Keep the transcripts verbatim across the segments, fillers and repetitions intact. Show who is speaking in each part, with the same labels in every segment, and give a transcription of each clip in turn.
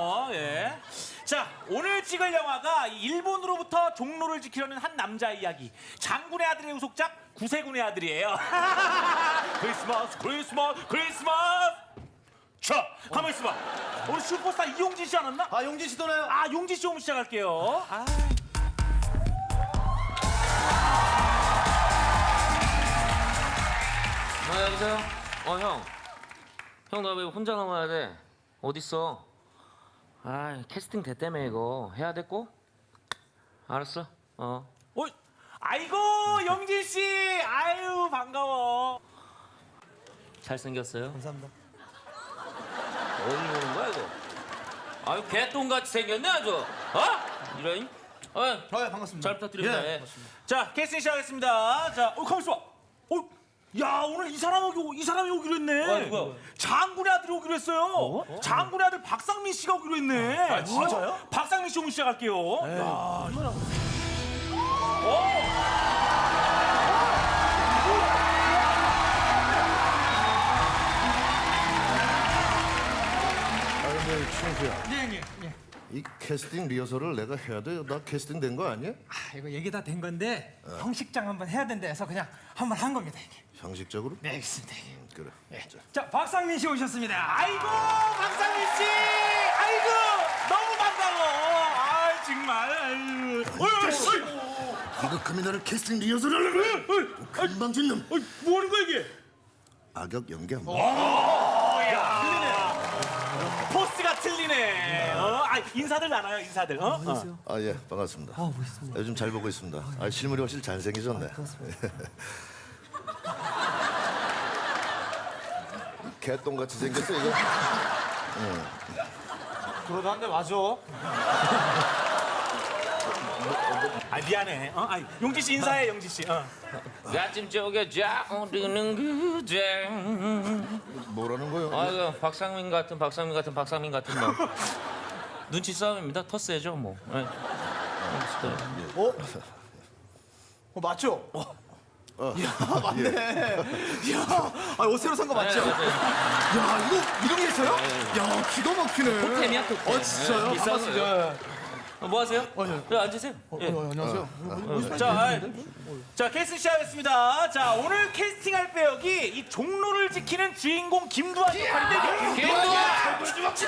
Speaker 1: 그럼요. 예. 자, 오늘 찍을 영화가 일본으로부터 종로를 지키려는 한 남자 이야기. 장군의 아들의 후속작 구세군의 아들이에요. 크리스마스, 크리스마스, 크리스마스. 자, 가만 있어봐. 우리 슈퍼스타 이용진 씨 안 왔나?
Speaker 2: 아, 용진 씨 도나요?
Speaker 1: 아, 용진 씨 오면 시작할게요. 아.
Speaker 3: 아, 여보세요? 어, 형. 형, 나 왜 혼자 남아야 돼? 어딨어? 아, 캐스팅 됐다며, 이거. 해야 돼, 꼭? 알았어. 어.
Speaker 1: 어, 아이고, 영진 씨. 아유, 반가워.
Speaker 3: 잘생겼어요?
Speaker 2: 감사합니다.
Speaker 3: 어디 보는 거야, 이거? 아유, 개똥같이 생겼네, 아주. 어? 이런? 어,
Speaker 2: 아, 예, 반갑습니다.
Speaker 3: 잘 부탁드립니다.
Speaker 2: 예,
Speaker 3: 예.
Speaker 1: 자, 캐스팅 시작하겠습니다. 자, 어, 가만 있어봐. 어, 야, 오늘 이 사람 오기, 이 사람이 오기로 했네.
Speaker 3: 어, 누구야?
Speaker 1: 장군의 아들이 오기로 했어요. 어? 장군의 아들 박상민 씨가 오기로 했네. 아,
Speaker 2: 진짜요?
Speaker 1: 박상민 씨 오면 시작할게요. 야, 이거랑.
Speaker 4: 아 근데 충수야,
Speaker 5: 예, 예, 예.
Speaker 4: 이 캐스팅 리허설을 내가 해야 돼? 나 캐스팅 된 거 아니야?
Speaker 5: 아, 이거 얘기 다 된 건데 형식장 한번 해야 된다 해서 그냥 한번 한 겁니다, 이게.
Speaker 4: 형식적으로?
Speaker 5: 네, 알겠습니다.
Speaker 4: 음, 그래. 자,
Speaker 5: 자, 박상민 씨 오셨습니다.
Speaker 1: 아이고, 박상민 씨. 아이고, 너무 반가워. 아, 정말. 아유. 어이, 어이, 어이.
Speaker 4: 이거 금이 나를 캐스팅 리허설을 하려고 금방 진 놈.
Speaker 1: 어이, 뭐 하는 거야, 이게?
Speaker 4: 악역 연기 한번.
Speaker 1: 포스가 틀리네. 어? 아, 인사들 나눠요, 인사들. 어? 어.
Speaker 4: 아 예, 반갑습니다. 아 멋있습니다. 요즘 잘 보고 있습니다. 아 실물이 훨씬 잘생기셨네. 개똥같이 생겼어 이거.
Speaker 2: 그러다는데 맞아.
Speaker 1: 아, 미안해. 어? 아, 용지 씨 인사해, 용지 씨. 어.
Speaker 3: 가슴 쪽에 자오르는 그대.
Speaker 4: 뭐라는 거요?
Speaker 3: 아, 그 박상민 같은 박상민 같은 박상민 같은 뭐. 눈치 싸움입니다. 터스해죠, 뭐. 네.
Speaker 2: 어? 어, 맞죠? 어. 야, 맞네. 야, 아, 옷 새로 산 거 맞죠?
Speaker 3: 네, 네, 네.
Speaker 2: 야, 이거 이런 게 있어요? 야, 기가 막히네.
Speaker 3: 토템이야, 토템.
Speaker 2: 어, 진짜요?
Speaker 3: 네, 비싼
Speaker 2: 반갑습니다.
Speaker 3: 어, 뭐 하세요?
Speaker 2: 어, 예.
Speaker 3: 네, 앉으세요. 예.
Speaker 2: 어, 안녕하세요.
Speaker 1: 자, 아, 자, 캐스팅 시작하겠습니다. 자, 오늘 캐스팅할 배역이 이 종로를 지키는 주인공 김두한 역할인데.
Speaker 3: 김두한!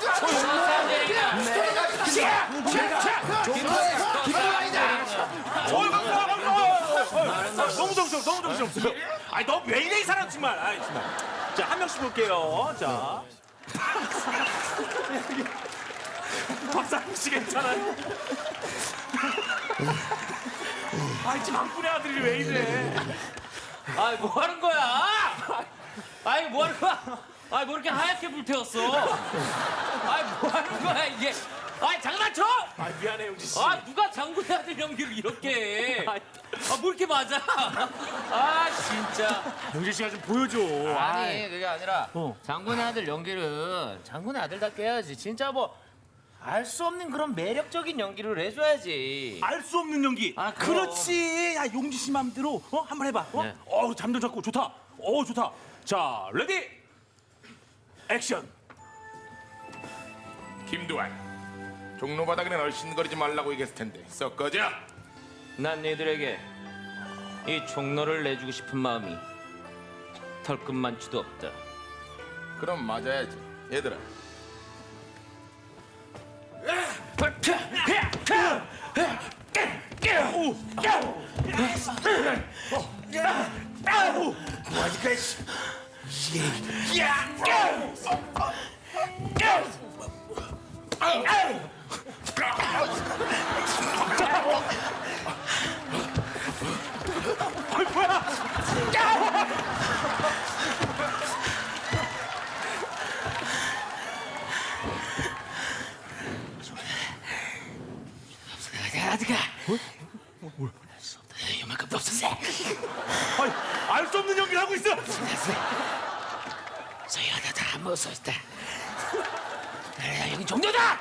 Speaker 1: 너무 정신없어, 너무 정신없어. 아니, 너 왜 이래, 이 사람 정말. 아이, 정말. 자, 한 명씩 볼게요. 자. 박상민 씨 괜찮아요? 아이, 장군의 아들이 왜 이래?
Speaker 3: 아이, 뭐 하는 거야? 아이, 뭐 하는 거야? 아이, 뭐 이렇게 하얗게 불태웠어? 아이, 뭐 하는 거야, 이게? 아이, 장난쳐?
Speaker 1: 아, 미안해, 용지 씨.
Speaker 3: 아, 누가 장군의 아들 연기를 이렇게 해? 아, 뭐 이렇게 맞아? 아, 진짜.
Speaker 1: 용지 씨가 좀 보여줘.
Speaker 3: 아니, 그게 아니라
Speaker 1: 어.
Speaker 3: 장군의 아들 연기를 장군의 아들답게 해야지. 진짜 뭐 알 수 없는 그런 매력적인 연기를 해줘야지.
Speaker 1: 알 수 없는 연기.
Speaker 3: 아, 그럼.
Speaker 1: 그렇지. 야, 용지 씨 맘대로 어 한번 해봐. 어,
Speaker 3: 네.
Speaker 1: 어 잠도 잡고 좋다. 어, 좋다. 자, 레디, 액션.
Speaker 6: 김두한, 종로 바닥에는 얼씬거리지 말라고 얘기했을 텐데 썩 꺼져.
Speaker 3: 난 너희들에게 이 종로를 내주고 싶은 마음이 털끝만치도 없다.
Speaker 6: 그럼 맞아야지. 얘들아,
Speaker 3: 이만큼도 없었어.
Speaker 1: 아니, 알 수 없는 연기를 하고 있어.
Speaker 3: 저희 하나 다 먹었어 있다. 여기 종료다.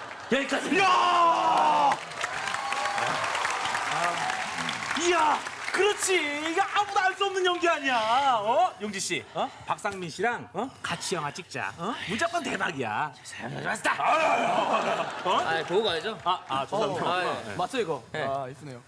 Speaker 3: 여기까지.
Speaker 1: 이야, 이야, 그 그렇지. 이거 아무도 알 수 없는 연기 아니야. 어? 용지 씨, 어? 박상민 씨랑 어? 같이 영화 찍자. 어? 무조건 대박이야. 잘했다.
Speaker 3: 아, 보고 가야죠.
Speaker 1: 아, 아, 죄송합니다.
Speaker 3: 아, 예.
Speaker 2: 맞죠 이거?
Speaker 3: 네.
Speaker 2: 아 이쁘네요.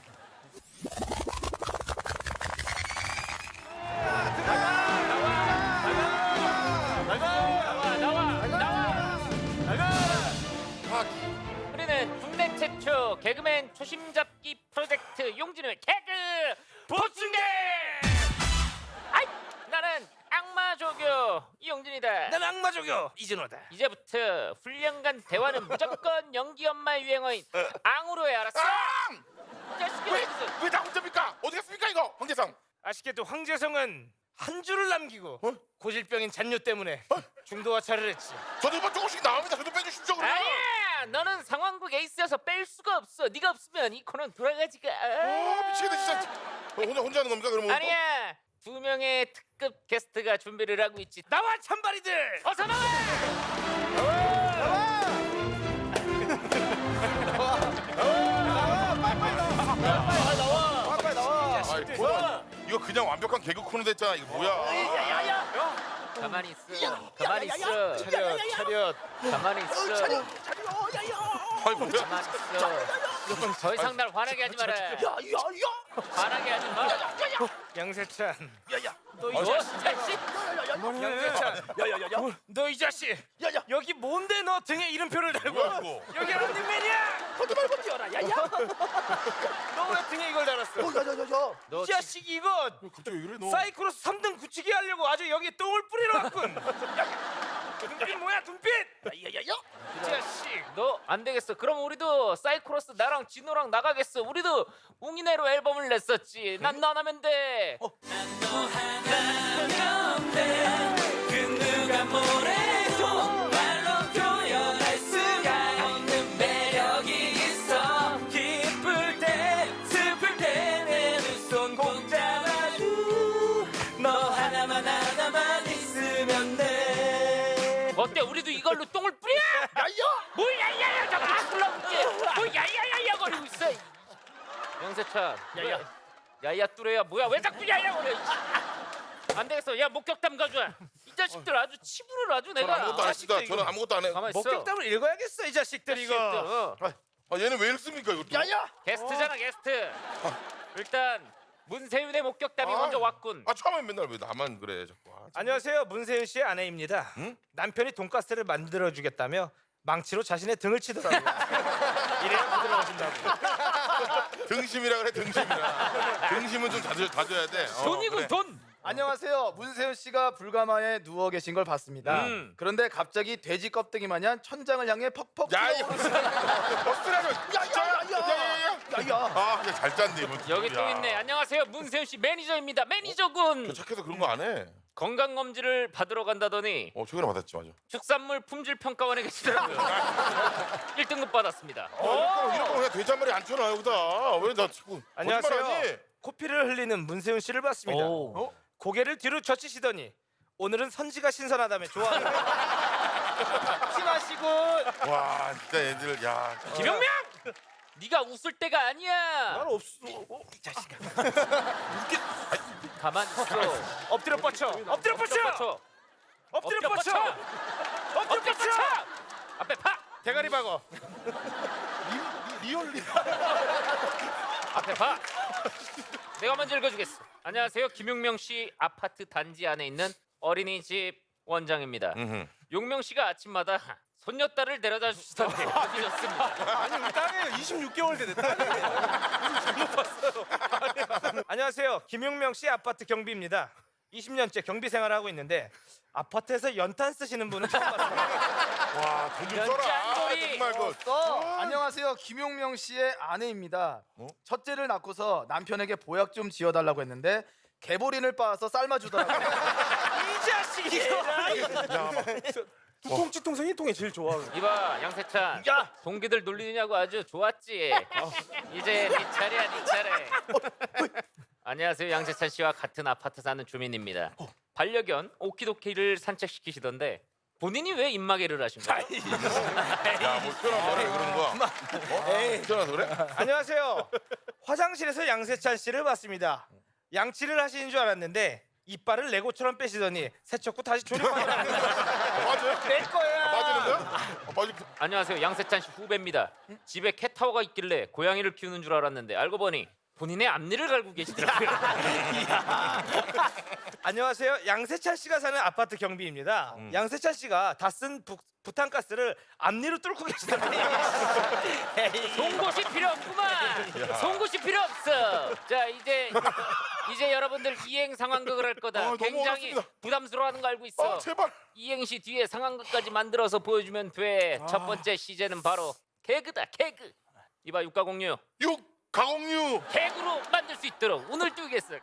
Speaker 3: 우리는 국내 최초 개그맨 초심 잡기 프로젝트 용진의 개그 보충대. 아이, 나는 악마 조교 이용진이다.
Speaker 7: 난 악마 조교 이진호다.
Speaker 3: 이제부터 훈련간 대화는 무조건 연기 엄마의 유행어인 앙으로 해, 알았어? 이 자식이
Speaker 6: 왜?
Speaker 3: 어디 있어?
Speaker 6: 왜 나 혼자입니까? 어디 갔습니까 이거? 황재성.
Speaker 7: 아쉽게도 황재성은 한 줄을 남기고
Speaker 6: 어?
Speaker 7: 고질병인 잔뇨 때문에 중도화차를 했지.
Speaker 6: 저도 이번 조금씩 나옵니다. 저도 빼주십시오 그러면.
Speaker 3: 아니야, 너는 상황극 에이스여서 뺄 수가 없어. 네가 없으면 이 코너는 돌아가지가.
Speaker 6: 아, 미치겠다 진짜. 어, 혼자 혼자 하는 겁니까 그러면? 오늘 또?
Speaker 3: 아니야, 두 명의 특급 게스트가 준비를 하고 있지.
Speaker 7: 나와 찬바리들.
Speaker 3: 어서 나와.
Speaker 2: 빨리 나와.
Speaker 6: 아이, 뭐야? 이거 그냥 완벽한 개그 코너 됐잖아. 이거 뭐야?
Speaker 3: 가만히 있어. 가만히 있어.
Speaker 7: 차렷 차렷.
Speaker 3: 가만히 있어.
Speaker 6: 아이 뭐야?
Speaker 3: 가만히 있어. 더 이상 날 화나게 하지 마라. 화나게 하지 마.
Speaker 7: 양세찬.
Speaker 3: 너 이 자식.
Speaker 7: 양세찬. 야야야야. 너 이 자식. 야야. 여기 뭔데 너 등에 이름표를 달고?
Speaker 6: 뭐야 이거?
Speaker 7: 여기 런닝맨이야. 거기 말고 뛰어라. 야야. 너 왜 등에 이걸 달았어?
Speaker 3: 너
Speaker 7: 이 자식 이거
Speaker 6: 갑자기 왜 그래 너?
Speaker 7: 사이클로스 삼 등 굳히기 하려고 아주 여기 똥을 뿌리러 왔군. 눈빛 뭐야 눈빛? 야야야. 이 자식.
Speaker 3: 너 안 되겠어. 그럼 우리도 사이코로스 나랑 진호랑 나가겠어. 우리도 웅이네로 앨범을 냈었지. 난 너 하면 돼. 어때? 우리도 이걸로 똥을 뿌려? 야야! 뭘 야야야! 자꾸 불러볼게. 뭘 야야야야 거리고 있어. 영세찬. 야야. 야야 뚜레야 뭐야? 왜 자꾸 야야 거려? 안 되겠어. 야 목격담 가져와. 이 자식들 아주 치부를 아주
Speaker 6: 저는
Speaker 3: 내가.
Speaker 6: 아무것도 안 했습니다.
Speaker 7: 자식들
Speaker 6: 저는 아무것도 안 해.
Speaker 3: 가만 있어.
Speaker 7: 목격담을 읽어야겠어 이 자식들 이거.
Speaker 3: 자식들, 어.
Speaker 6: 아 얘는 왜 읽습니까 이거? 야야!
Speaker 3: 게스트잖아 게스트. 일단 문세윤의 목격담이
Speaker 6: 아.
Speaker 3: 먼저 왔군.
Speaker 6: 아 처음에 맨날 왜 나만 그래 자꾸. 아, 참.
Speaker 7: 안녕하세요 문세윤 씨의 아내입니다. 남편이 돈가스를 만들어 주겠다며 망치로 자신의 등을 치더라고요. 이래야 부드러워진다고.
Speaker 6: 등심이라 그래 등심이라. 등심은 좀 자주 자줘야 돼. 어,
Speaker 3: 돈이군
Speaker 6: 그래.
Speaker 3: 돈.
Speaker 2: 안녕하세요. 문세윤 씨가 불가마에 누워 계신 걸 봤습니다.
Speaker 3: 음.
Speaker 2: 그런데 갑자기 돼지 껍데기 마냥 천장을 향해 퍽퍽
Speaker 6: 야
Speaker 2: 튀어-
Speaker 6: 이거 버스라면 야야야야야야.
Speaker 2: 야야.
Speaker 6: 아, 그냥 잘 짠데 이번.
Speaker 3: 여기 또 있네. 안녕하세요 문세윤 씨 매니저입니다. 매니저군.
Speaker 6: 저 착해서 그런 거 안 해.
Speaker 3: 건강 검진을 받으러 간다더니
Speaker 6: 어 최근에 받았지 맞아.
Speaker 3: 축산물 품질 평가원에 계시더라고요. 일 등급 받았습니다.
Speaker 6: 어, 이런 거 그냥 돼지한마리 안 쳐놔 여기다. 왜 나 자꾸
Speaker 7: 안녕하세요.
Speaker 6: 거짓말하니?
Speaker 7: 코피를 흘리는 문세윤 씨를 봤습니다. 어? 고개를 뒤로 젖히시더니 오늘은 선지가 신선하다며 좋아하는 심하시군.
Speaker 6: 와 진짜 애들 야.
Speaker 3: 김영명! 네가 웃을 때가 아니야.
Speaker 7: 난 없어. 어, 이 자식아.
Speaker 3: 가만 있어.
Speaker 7: 엎드려 뻗쳐. 엎드려 뻗쳐.
Speaker 3: 뻗쳐.
Speaker 7: 엎드려 뻗쳐. 엎드려
Speaker 3: 엎드려
Speaker 7: 뻗쳐.
Speaker 3: 뻗쳐. 앞에 파.
Speaker 7: 대가리 박어.
Speaker 6: 리얼리.
Speaker 3: 앞에 봐. 내가 먼저 읽어주겠어. 안녕하세요. 김용명 씨 아파트 단지 안에 있는 어린이집 원장입니다.
Speaker 6: 음흠.
Speaker 3: 용명 씨가 아침마다 손녀딸을 데려다 주시던데 보기 좋습니다.
Speaker 7: 아니 우리 딸이에요. 이십육 개월 된 딸이에요. 잘못 봤어요. 안녕하세요. 김용명 씨 아파트 경비입니다. 이십 년째 경비 생활을 하고 있는데 아파트에서 연탄 쓰시는 분은 처음 봤어요.
Speaker 6: 와, 돈 좀 써라.
Speaker 3: 연짠돌이.
Speaker 6: 정말 그.
Speaker 2: 어, 안녕하세요. 김용명 씨의 아내입니다.
Speaker 6: 어?
Speaker 2: 첫째를 낳고서 남편에게 보약 좀 지어달라고 했는데 개보린을 빻아서 삶아주더라고요.
Speaker 7: 이 자식이야.
Speaker 2: 두통치 통생이 통이 제일 좋아.
Speaker 3: 이봐 양세찬.
Speaker 7: 야!
Speaker 3: 동기들 놀리느냐고 아주 좋았지. 이제 네 차례야 네 차례. 안녕하세요. 양세찬 씨와 같은 아파트 사는 주민입니다. 반려견 오키도키를 산책시키시던데 본인이 왜 입마개를 하신 거예요?
Speaker 6: 야, 뭐 태어나서 그래 그러는 거야. 어? 태어나서 그래?
Speaker 7: 안녕하세요. 화장실에서 양세찬 씨를 봤습니다. 양치를 하시는 줄 알았는데 이빨을 레고처럼 빼시더니 세척후 다시 조립하더라고요.
Speaker 6: 맞아요?
Speaker 7: 내 거야.
Speaker 6: 빠지는 거야? 어, 빠지.
Speaker 3: 안녕하세요. 양세찬 씨 후배입니다. 집에 캣타워가 있길래 고양이를 키우는 줄 알았는데 알고 보니 본인의 앞니를 갈고 계시더라고요.
Speaker 7: 안녕하세요. 양세찬 씨가 사는 아파트 경비입니다. 양세찬 씨가 다 쓴 부탄가스를 앞니로 뚫고 계시더라고요.
Speaker 3: 송곳이 필요 없구만. 송곳이 필요 없어. 자 이제 이제 여러분들 이행 상황극을 할 거다.
Speaker 6: 아, 너무
Speaker 3: 굉장히
Speaker 6: 어렵습니다.
Speaker 3: 부담스러워하는 거 알고 있어.
Speaker 6: 아, 제발.
Speaker 3: 이행시 뒤에 상황극까지 만들어서 보여주면 돼. 첫 번째 시제는 바로 개그다. 개그. 이봐 육가공유.
Speaker 6: 육 가공류.
Speaker 3: 개그로 만들 수 있도록 오늘 띄우겠어.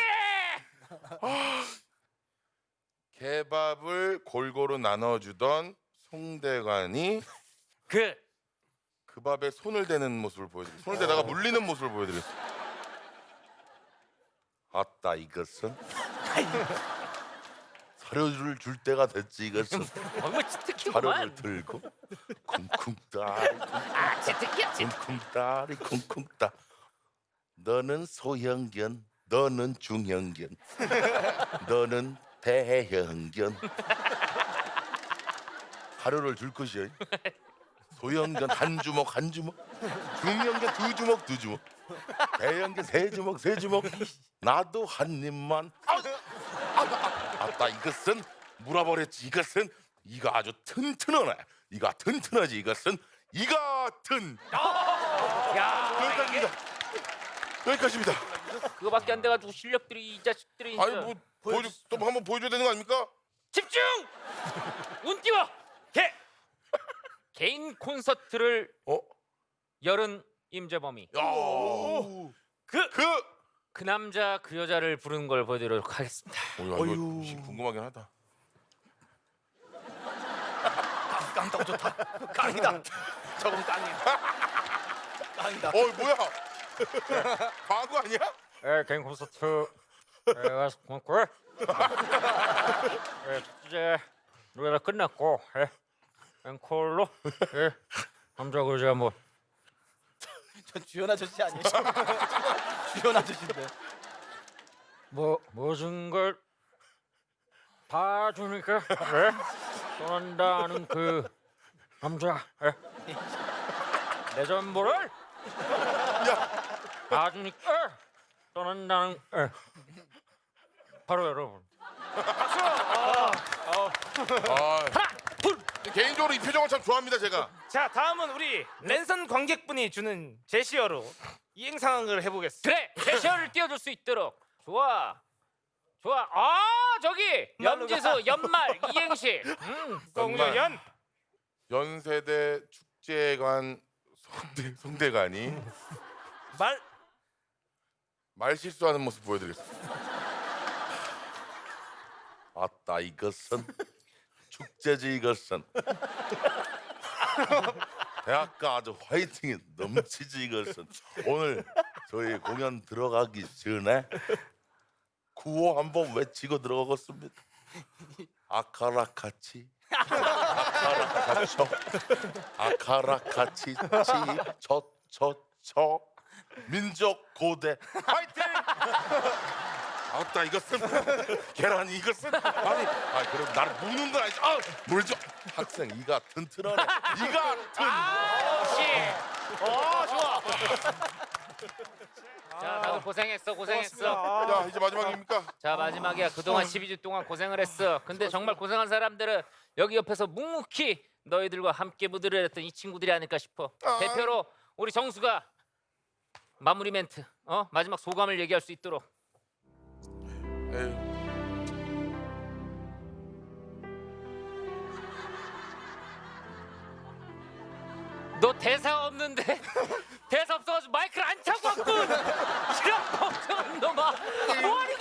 Speaker 6: 개밥을 골고루 나눠주던 송대관이
Speaker 3: 그
Speaker 6: 그 밥에 손을 대는 모습을 보여드리겠습니다. 손을 대다가 물리는 모습을 보여드리겠습니다. 아따 이것은
Speaker 4: 사료를 줄 때가 됐지 이것은.
Speaker 3: 어머
Speaker 4: 사료를
Speaker 3: 치트키구만.
Speaker 4: 들고 쿵쿵따리
Speaker 3: 아 치트키야 치트.
Speaker 4: 쿵쿵따리 쿵쿵따. 너는 소형견, 너는 중형견, 너는 대형견. 사료를 줄 것이야. 소형견 한 주먹 한 주먹, 중형견 두 주먹 두 주먹, 대형견 세 주먹 세 주먹. 나도 한 입만. 아, 아, 아, 아따 이것은 물어버렸지. 이것은 이가 아주 튼튼하네. 이가 튼튼하지. 이것은 이 같은.
Speaker 3: 야
Speaker 6: 여기까지입니다. 여기까지입니다.
Speaker 3: 그거밖에 안 돼가지고 실력들이 이 자식들이.
Speaker 6: 아니 뭐 보여줘 또 한번 보여줘야 되는 거 아닙니까?
Speaker 3: 집중! 운 띄워! 개! 개인 콘서트를
Speaker 6: 어?
Speaker 3: 열은 임재범이.
Speaker 6: 야. 그 그.
Speaker 3: 그 남자 그 여자를 부르는 걸 보여드리도록 하겠습니다.
Speaker 6: 어, 야, 이거 궁금하긴 하다.
Speaker 2: 깡떡 좋다. 깡이다. 저건 깡이야. 깡이다.
Speaker 6: 어 뭐야? 광고 아니야?
Speaker 3: 에 개인 콘서트 에 와서 고맙고 에 이제 노래가 끝났고 에 앵콜로 에 남자 그 여자 뭐
Speaker 2: 전 주연 아저씨 아니에요? 주연 아저씨인데.
Speaker 3: 뭐 모든 걸 봐주니까 에 떠난다는 그 남자 에 내 전부를 봐주니까 떠난다는 에 바로 여러분.
Speaker 6: 아, 개인적으로 이 표정을 참 좋아합니다 제가.
Speaker 7: 자, 다음은 우리 랜선 관객분이 주는 제시어로 이행 상황을 해보겠습니다.
Speaker 3: 그래 제시어를 띄워줄 수 있도록. 좋아 좋아. 아 저기 염지수 연말 이행시. 음.
Speaker 7: 공연
Speaker 6: 연세대 축제관 송대, 송대관이
Speaker 7: 말
Speaker 6: 말 실수하는 모습 보여드리겠습니다.
Speaker 4: 아따 이것은 축제지 이것은. 대학가 아주 화이팅이 넘치지 이것은. 오늘 저희 공연 들어가기 전에 구호 한번 외치고 들어가겠습니다. 아카라카치 아카라카초 아카라카치 치초초초 민족 고대 화이팅!
Speaker 6: 아따 이것은 계란 이것은 아니 아 그럼 나를 무는 건 아니지. 아 물죠.
Speaker 4: 학생 이가 튼튼하네. 이가 튼.
Speaker 3: 씨. 어 좋아. 자 다들 고생했어 고생했어.
Speaker 6: 야 이제 마지막입니까?
Speaker 3: 자 마지막이야. 그동안 십이 주 동안 고생을 했어. 근데 정말 고생한 사람들은 여기 옆에서 묵묵히 너희들과 함께 무대를 했던 이 친구들이 아닐까 싶어.
Speaker 6: 아.
Speaker 3: 대표로 우리 정수가 마무리 멘트 어 마지막 소감을 얘기할 수 있도록.
Speaker 6: 에휴.
Speaker 3: 너 대사 없는데 대사 없어가지고 마이크를 안 차고 왔군. 이런 멍청한 놈아. 뭐하니